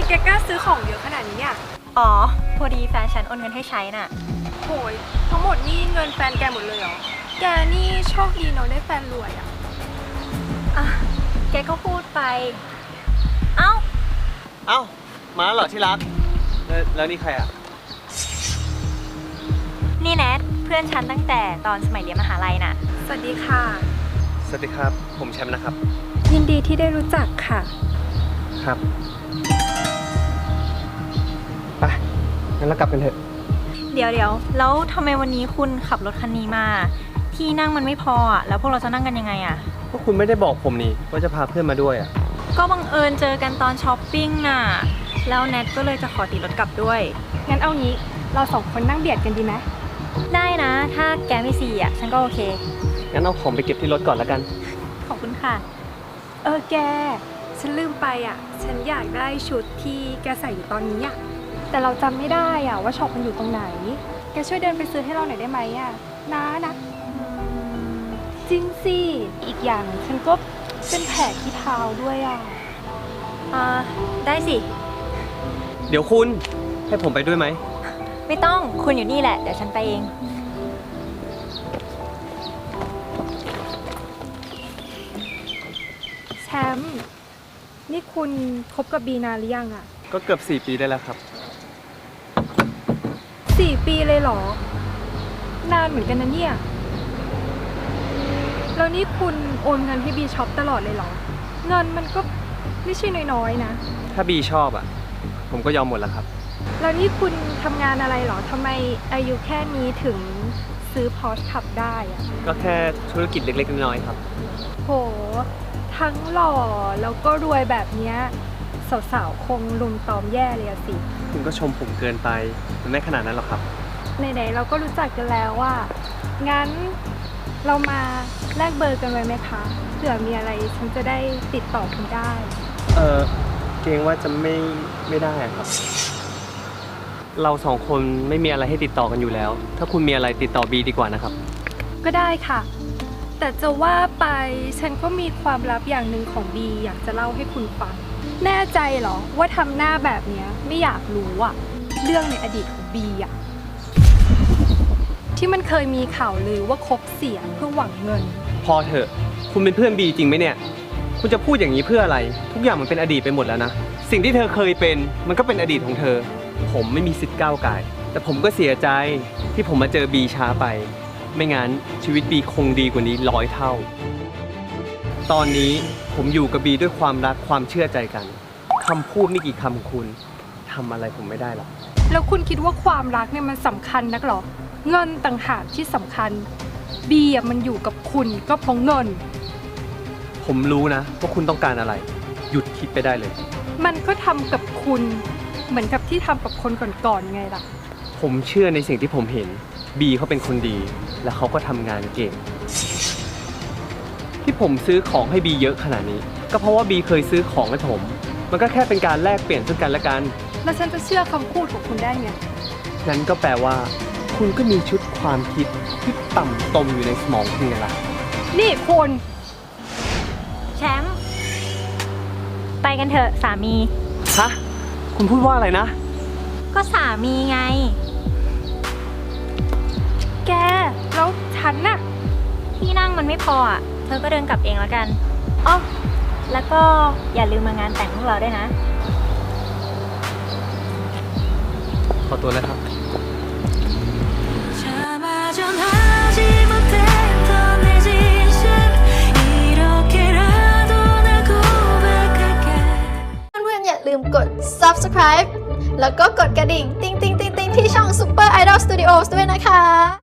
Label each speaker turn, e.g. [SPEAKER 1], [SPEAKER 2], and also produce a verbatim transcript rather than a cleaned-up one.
[SPEAKER 1] แกกล้าซื้อของเยอะขนาดนี้เนี่ย
[SPEAKER 2] อ๋อพอดีแฟนฉันโอนเงินให้ใช้น่ะ
[SPEAKER 1] โหยทั้งหมดนี่เงินแฟนแกหมดเลยเหรอแกนี่โชคดีเนาะได้แฟนรวยอ่ะ
[SPEAKER 2] อ่ะแกก็พูดไปเอ้า
[SPEAKER 3] เอ้ามาแล้วเหรอที่รักแล้วแล้วนี่ใครอ่ะ
[SPEAKER 2] นี่แนทเพื่อนฉันตั้งแต่ตอนสมัยเรียนมหาลัยน่ะ
[SPEAKER 1] สวัสดีค่ะ
[SPEAKER 3] สวัสดีครับผมแชมป์นะครับ
[SPEAKER 1] ยินดีที่ได้รู้จักค่ะ
[SPEAKER 3] ครับไปงั้นเรากลับกันเถอะ
[SPEAKER 2] เดี๋ยวเดี๋ยวแล้วทำไมวันนี้คุณขับรถคันนี้มาที่นั่งมันไม่พออ่ะแล้วพวกเราจะนั่งกันยังไงอ่ะ
[SPEAKER 3] ก็คุณไม่ได้บอกผมนี่ว่าจะพาเพื่อนมาด้วยอ่ะ
[SPEAKER 2] ก็บังเอิญเจอกันตอนช้อปปิ้งน่ะแล้วแนทก็เลยจะขอติดรถกลับด้วย
[SPEAKER 1] งั้นเอางี้เราสองคนนั่งเบียดกันดีไหม
[SPEAKER 2] ได้นะถ้าแกไม่ซีอ่ะฉันก็โอเค
[SPEAKER 3] งั้นเอาของไปเก็บที่รถก่อนแล้วกัน
[SPEAKER 2] ขอบคุณค่ะ
[SPEAKER 1] เออแกฉันลืมไปอ่ะฉันอยากได้ชุดที่แกใส่อยู่ตอนนี้อ่ะแต่เราจำไม่ได้อ่ะว่าช็อปมันอยู่ตรงไหนแกช่วยเดินไปซื้อให้เราหน่อยได้ไหมอ่ะนะนะจริงสิอีกอย่างฉันก็เป็นแผลที่เท้าด้วยอ่ะ
[SPEAKER 2] อ่าได้สิ
[SPEAKER 3] เดี๋ยวคุณให้ผมไปด้วยไหม
[SPEAKER 2] ไม่ต้องคุณอยู่นี่แหละเดี๋ยวฉันไปเอง
[SPEAKER 1] แชมป์นี่คุณคบกับบีนานหรือยังอ่ะ
[SPEAKER 3] ก็เกือบสี่ปีได้แล้วครับ
[SPEAKER 1] สี่ปีเลยเหรอ นานเหมือนกันนะเนี่ยแล้วนี่คุณโอนเงินให้บีช็อปตลอดเลยเหรอเงินมันก็ไม่ใช่น้อยๆนะ
[SPEAKER 3] ถ้าบีชอบอ่ะผมก็ยอมหมดแล้วครับ
[SPEAKER 1] แล้วนี่คุณทำงานอะไรเหรอทำไมอายุแค่นี้ถึงซื้อพอร์ชขับได้อะ
[SPEAKER 3] ก็แค่ธุรกิจเล็กๆน้อยๆครับ
[SPEAKER 1] โหทั้งหล่อแล้วก็รวยแบบเนี้ยสาวๆคงลุมตอมแย่เลยสิ
[SPEAKER 3] คุณก็ชมผมเกินไปมันไม่ขนาดนั้นหรอกครับ
[SPEAKER 1] ไหนๆเราก็รู้จักกันแล้วว่างั้นเรามาแลกเบอร์กันไว้ไหมคะเผื่อมีอะไรฉันจะได้ติดต่อคุณได้
[SPEAKER 3] เออเกรงว่าจะไม่ไม่ได้ครับเราสองคนไม่มีอะไรให้ติดต่อกันอยู่แล้วถ้าคุณมีอะไรติดต่อบีดีกว่านะครับ
[SPEAKER 1] ก็ได้ค่ะแต่จะว่าไปฉันก็มีความลับอย่างหนึ่งของบีอยากจะเล่าให้คุณฟังแน่ใจเหรอว่าทำหน้าแบบนี้ไม่อยากรู้อะเรื่องในอดีตของบีอะที่มันเคยมีข่าวลือว่าคบเสียเพื่อหวังเงิน
[SPEAKER 3] พอเถอะคุณเป็นเพื่อนบีจริงไหมเนี่ยคุณจะพูดอย่างนี้เพื่ออะไรทุกอย่างมันเป็นอดีตไปหมดแล้วนะสิ่งที่เธอเคยเป็นมันก็เป็นอดีตของเธอผมไม่มีสิทธิ์ก้าวไก่แต่ผมก็เสียใจที่ผมมาเจอบีช้าไปไม่งั้นชีวิตบีคงดีกว่านี้ร้อยเท่าตอนนี้ผมอยู่กับบีด้วยความรักความเชื่อใจกันคำพูดไม่กี่คำของคุณทำอะไรผมไม่ได้หรอก
[SPEAKER 1] แล้วคุณคิดว่าความรักเนี่ยมันสำคัญนักหรอเงินต่างหากที่สำคัญบีอ่ะมันอยู่กับคุณก็เพราะเงิน
[SPEAKER 3] ผมรู้นะว่าคุณต้องการอะไรหยุดคิดไปได้เลย
[SPEAKER 1] มันก็ทำกับคุณเหมือนกับที่ทำกับคนก่อนๆไงล่ะ
[SPEAKER 3] ผมเชื่อในสิ่งที่ผมเห็นบีเขาเป็นคนดีและเขาก็ทำงานเก่งที่ผมซื้อของให้บีเยอะขนาดนี้ก็เพราะว่าบีเคยซื้อของให้ผมมันก็แค่เป็นการแลกเปลี่ยนซึ่งกันและกัน
[SPEAKER 1] แล้วฉันจะเชื่อคำพูดของคุณได้ไง
[SPEAKER 3] งั้นก็แปลว่าคุณก็มีชุดความคิดที่ต่ำตมอยู่ในสมองคุณไงล่ะ
[SPEAKER 1] นี่คุณ
[SPEAKER 2] แชมป์ไปกันเถอะสามี
[SPEAKER 3] ฮะคุณพูดว่าอะไรนะ
[SPEAKER 2] ก็สามีไง
[SPEAKER 1] แกแล้วฉันน่ะ
[SPEAKER 2] ที่นั่งมันไม่พออ่ะเธอก็เดินกลับเองแล้วกันอ๋อแล้วก็อย่าลืมมางานแต่งพวกเราด้วยนะ
[SPEAKER 3] ขอตัวนะครับ
[SPEAKER 4] อย่าลืมกด ซับสไครบ์ แล้วก็กดกระดิ่ง ติ๊งติ๊งติ๊งติ๊งที่ช่อง Super Idol Studios ด้วยนะคะ